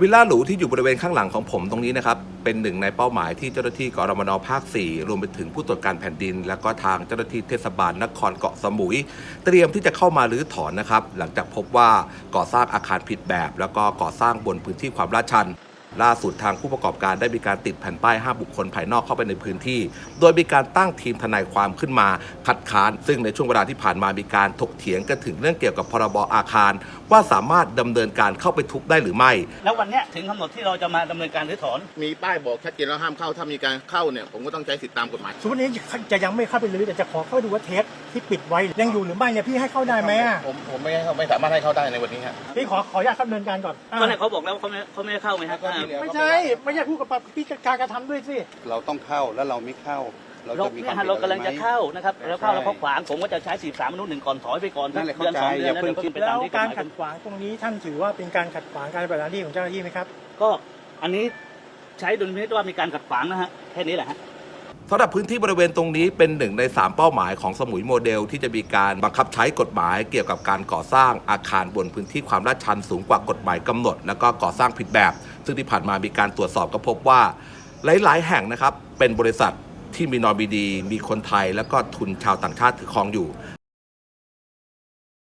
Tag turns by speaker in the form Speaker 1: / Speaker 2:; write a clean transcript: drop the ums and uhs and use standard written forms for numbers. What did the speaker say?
Speaker 1: วิลล่าหรูที่อยู่บริเวณข้างหลังของผมตรงนี้นะครับเป็นหนึ่งในเป้าหมายที่เจ้าหน้าที่กรมน.ภาค 4 รวมไปถึงผู้ตรวจการแผ่นดินและก็ทางเจ้าหน้าที่เทศบาลนครเกาะสมุยเตรียมที่จะเข้ามารื้อถอนนะครับหลังจากพบว่าก่อสร้างอาคารผิดแบบแล้วก็ก่อสร้างบนพื้นที่ความลาดชันล่าสุดทางผู้ประกอบการได้มีการติดแผ่นป้ายห้ามบุคคลภายนอกเข้าไปในพื้นที่โดยมีการตั้งทีมทนายความขึ้นมาคัดค้านซึ่งในช่วงเวลาที่ผ่านมามีการถกเถียงกันถึงเรื่องเกี่ยวกับพรบอาคารว่าสามารถดำเนินการเข้าไปทุบได้หรือไม่
Speaker 2: แล้ววันนี้ถึงกำหนดที่เราจะมาดำเนินการรื้อถอน
Speaker 3: มีป้ายบอกชัดเจนแล้วห้ามเข้าถ้ามีการเข้าเนี่ยผมก็ต้องใช้สิทธิตามกฎหมาย
Speaker 4: สมมตินี้จะยังไม่เข้าไปรื้อแต่จะขอเข้าดูว่าเทปที่ปิดไว้ยังอยู่หรือไม่เนี่ยพี่ให้เข้าได้ไหม
Speaker 3: ผมไม่ให้เข้าไม่สามารถให้เข้าได้ในวันนี้ครับ
Speaker 4: พี่ขออนุญาตดำเนินการก่อน
Speaker 2: ก็เนี่ยเขาบอกแล้วเขาไม่ให้เข้าไหมครับ
Speaker 4: ไม่ใช่พูดกับพี่การกระทำด้วยสิ
Speaker 5: เราต้องเข้าแล้วเราไม่เข้า
Speaker 2: เรากำลังจะเข้านะครับแล้วเข้าแล้วเขาขวางผมก็จะใช้43มนุษย์1ก่อนถอยไปก่อนเดือน2 เดือนแล้วขึ้นไปตามที่
Speaker 4: การขัดขวางตรงนี้ท่านถือว่าเป็นการขัดขวางการปฏิบัติหน้าที่ของเจ้าหน้าที่ไหมครับ
Speaker 2: ก็อันนี้ใช้ดุลพินิจว่ามีการขัดขวางนะฮะแค่นี้แหละฮะ
Speaker 1: สำหรับพื้นที่บริเวณตรงนี้เป็นหนึ่งใน3เป้าหมายของสมุยโมเดลที่จะมีการบังคับใช้กฎหมายเกี่ยวกับการก่อสร้างอาคารบนพื้นที่ความลาดชันสูงกว่ากฎหมายกำหนดแล้วก็ก่อสร้างผิดแบบซึ่งที่ผ่านมามีการตรวจสอบก็พบว่าหลายๆแห่งนะครับเป็นบริษัทที่มีนอมินีมีคนไทยแล้วก็ทุนชาวต่างชาติถือครองอยู่